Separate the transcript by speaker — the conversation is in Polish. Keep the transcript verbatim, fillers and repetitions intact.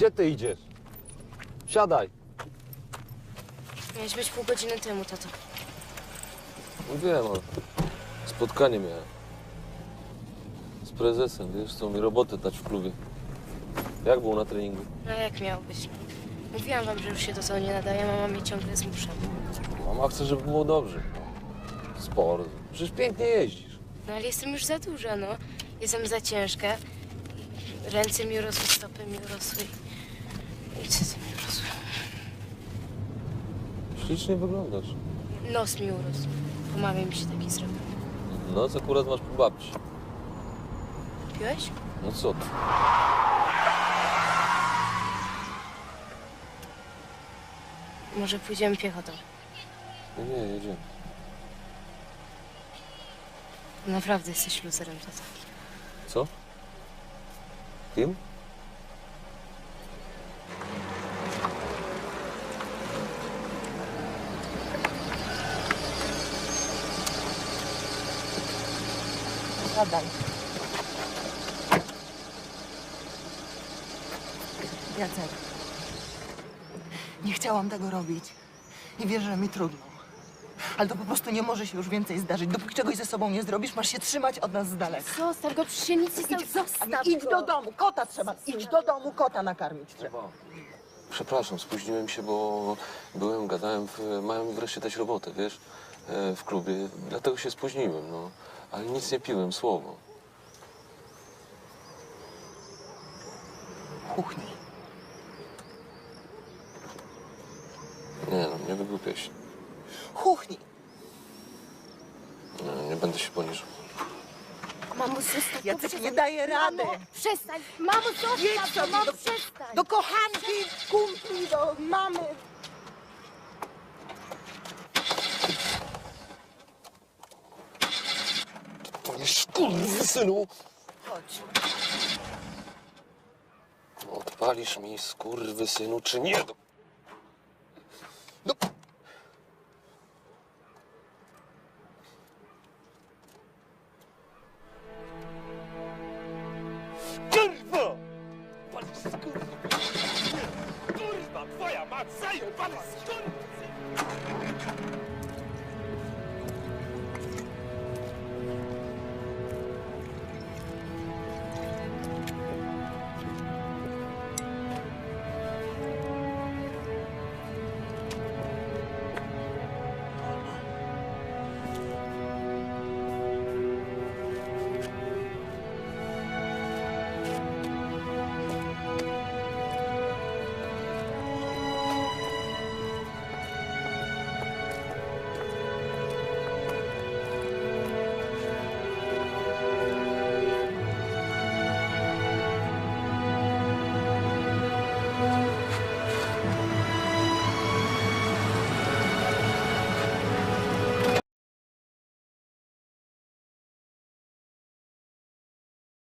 Speaker 1: Gdzie ty idziesz? Siadaj.
Speaker 2: Miałeś być pół godziny temu, tato.
Speaker 3: No wiem, ale spotkanie miałem. Z prezesem, wiesz, chcą mi robotę dać w klubie. Jak było na treningu?
Speaker 2: No jak miał być? Mówiłam wam, że już się do tego nie nadaje, mama mnie ciągle zmusza.
Speaker 3: Mama chce, żeby było dobrze. Sport. Przecież pięknie jeździsz.
Speaker 2: No ale jestem już za duża, no. Jestem za ciężka. Ręce mi urosły, stopy mi urosły. I cycy mi urosły.
Speaker 3: Ślicznie wyglądasz.
Speaker 2: Nos mi urósł. Po mamie mi się taki zrobił.
Speaker 3: No, co akurat masz po babci.
Speaker 2: Piłeś?
Speaker 3: No co ty?
Speaker 2: Może pójdziemy piechotą.
Speaker 3: No nie, jedziemy.
Speaker 2: Naprawdę jesteś luzerem, tata.
Speaker 3: Co? Kim?
Speaker 4: Siadaj. Jacek. Nie chciałam tego robić. I wiesz, że mi trudno. Ale to po prostu nie może się już więcej zdarzyć. Dopóki czegoś ze sobą nie zrobisz, masz się trzymać od nas z daleka.
Speaker 2: Zostaw go, przecież się nic nie stało.
Speaker 4: Idź,
Speaker 2: Zostaw
Speaker 4: Aniu, idź
Speaker 2: go.
Speaker 4: do domu, kota trzeba. Idź do domu, kota nakarmić trzeba.
Speaker 3: Przepraszam, spóźniłem się, bo byłem, gadałem, w, mają mi wreszcie dać robotę, wiesz, e, w klubie, dlatego się spóźniłem, no. Ale nic nie piłem, słowo.
Speaker 4: Kuchni.
Speaker 3: Nie no, nie wygłupiaj się.
Speaker 4: Kuchni.
Speaker 3: Nie, nie będę się poniżał.
Speaker 2: Mamo, zostaw
Speaker 4: Jacek
Speaker 2: go, przestań.
Speaker 4: nie daje rady.
Speaker 2: Mamo, przestań. Mamo,
Speaker 4: Jedź
Speaker 2: zostaw
Speaker 4: sobie
Speaker 2: go, mamo,
Speaker 4: do-
Speaker 2: przestań.
Speaker 4: Do kochanki, kumpli, do mamy.
Speaker 3: Panie skurwysynu!
Speaker 4: Chodź.
Speaker 3: Odpalisz mi, skurwysynu, czy nie? No. No.
Speaker 5: Kurwa! Pan skurwa! Kurwa, twoja mać zajebana skurwa!